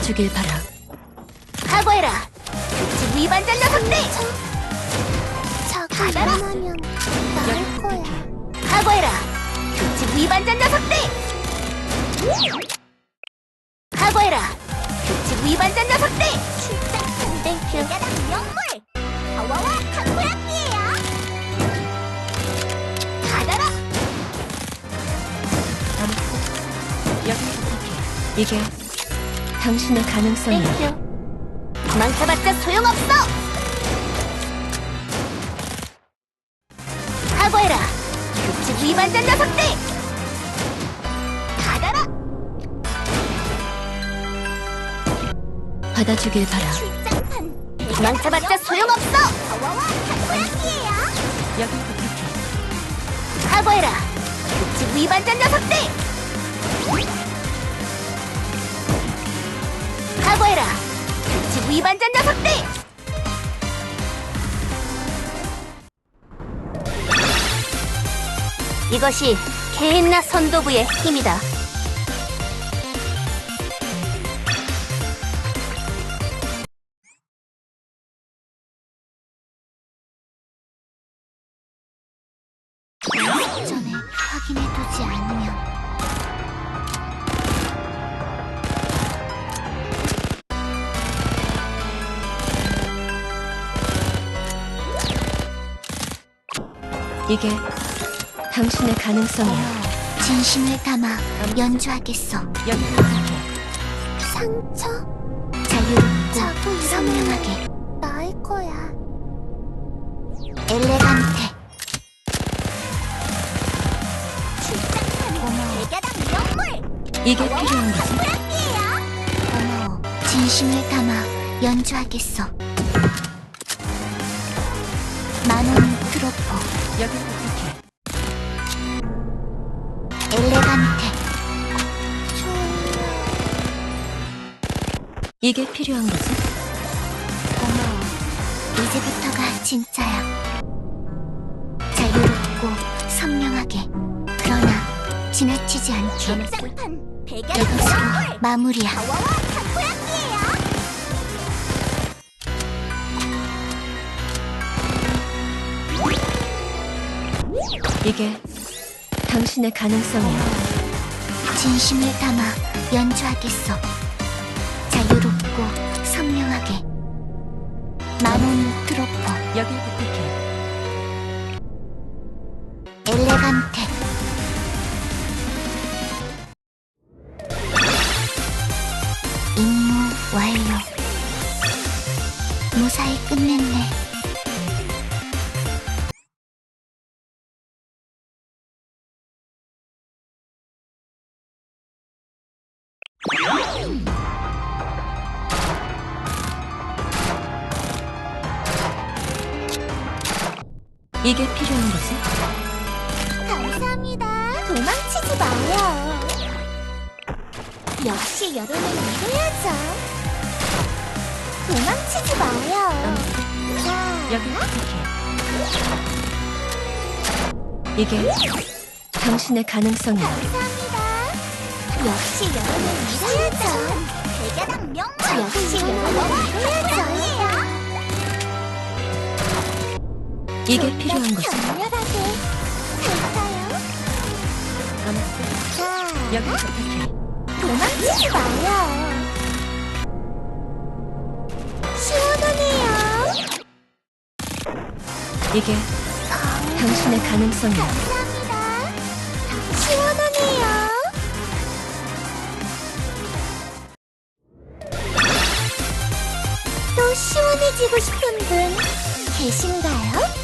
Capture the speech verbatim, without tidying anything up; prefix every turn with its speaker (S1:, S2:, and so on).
S1: 받아주길 바라.
S2: 각오해라. 규칙 위반자 녀석들.
S3: 자꾸 일어나면 나을 거야.
S2: 각오해라. 규칙 위반자 녀석들. 각오해라. 규칙 위반자 녀석들.
S3: 출장 땡큐.
S2: 대가당 명물. 파워와 탁구야끼예요. 받아라.
S1: 여기 부탁해. 이게 당신의 가능성이야.
S2: 땡큐. 도망쳐봤자 소용없어. 각오해라. 규칙 위반자 녀석들. 받아라.
S1: 받아주길 바라.
S2: 출장판. 도망쳐봤자 소용없어. 파워와 탁구야끼예요.
S1: 여기 부탁해.
S2: 각오해라. 규칙 위반자 녀석들. 각오해라. 규칙 위반자 녀석들. 이것이 케인나 선도부의 힘이다.
S3: 전에 확인해두지 않으면
S1: 이게 당신의 가능성이야.
S3: 진심을 담아 연주하겠어.
S1: 여기 부탁해.
S3: 상처?
S2: 자유롭고
S3: 자꾸
S2: 선명하게.
S3: 나을 거야.
S2: 엘레간테.
S3: 고마워.
S2: 대가당 명물.
S1: 이게 필요한 거지?
S2: 탁구야끼예요.
S3: 고마워. 진심을 담아 연주하겠어. 만원 트로포.
S1: 여기 부탁해.
S2: 엘레간테.
S1: 이게 필요한 거지?
S3: 고마워. 이제부터가 진짜야. 자유롭고 선명하게. 그러나 지나치지 않게.
S2: 출장판. 대가당
S3: 이것으로
S2: 명물.
S3: 마무리야.
S2: 파워와 탁구야끼예요.
S1: 이게 당신의 가능성이야.
S3: 진심을 담아 연주하겠어. 자유롭고 선명하게. 마몬 트로포.
S1: 여기 부탁해.
S3: 엘레간테. 임무 완료. 무사히 끝냈네.
S1: 이게 필요한 거지?
S2: 감사합니다. 도망치지 마요. 역시 여름은 이래야죠. 도망치지 마요. 자,
S1: 여기 부탁해. 이게 당신의 가능성이야.
S2: 감사합니다. 역시 여름은 이래야죠. 대가당 명물. 역시 여름은 이래야죠.
S1: 이게 필요한 거지?
S2: 격렬하게 갈까요? 자,
S1: 여기 부탁해.
S2: 도망치지 마요. 시원하네요.
S1: 이게 당신의 가능성이야.
S2: 감사합니다. 시원하네요. 또 시원해지고 싶은 분 계신가요?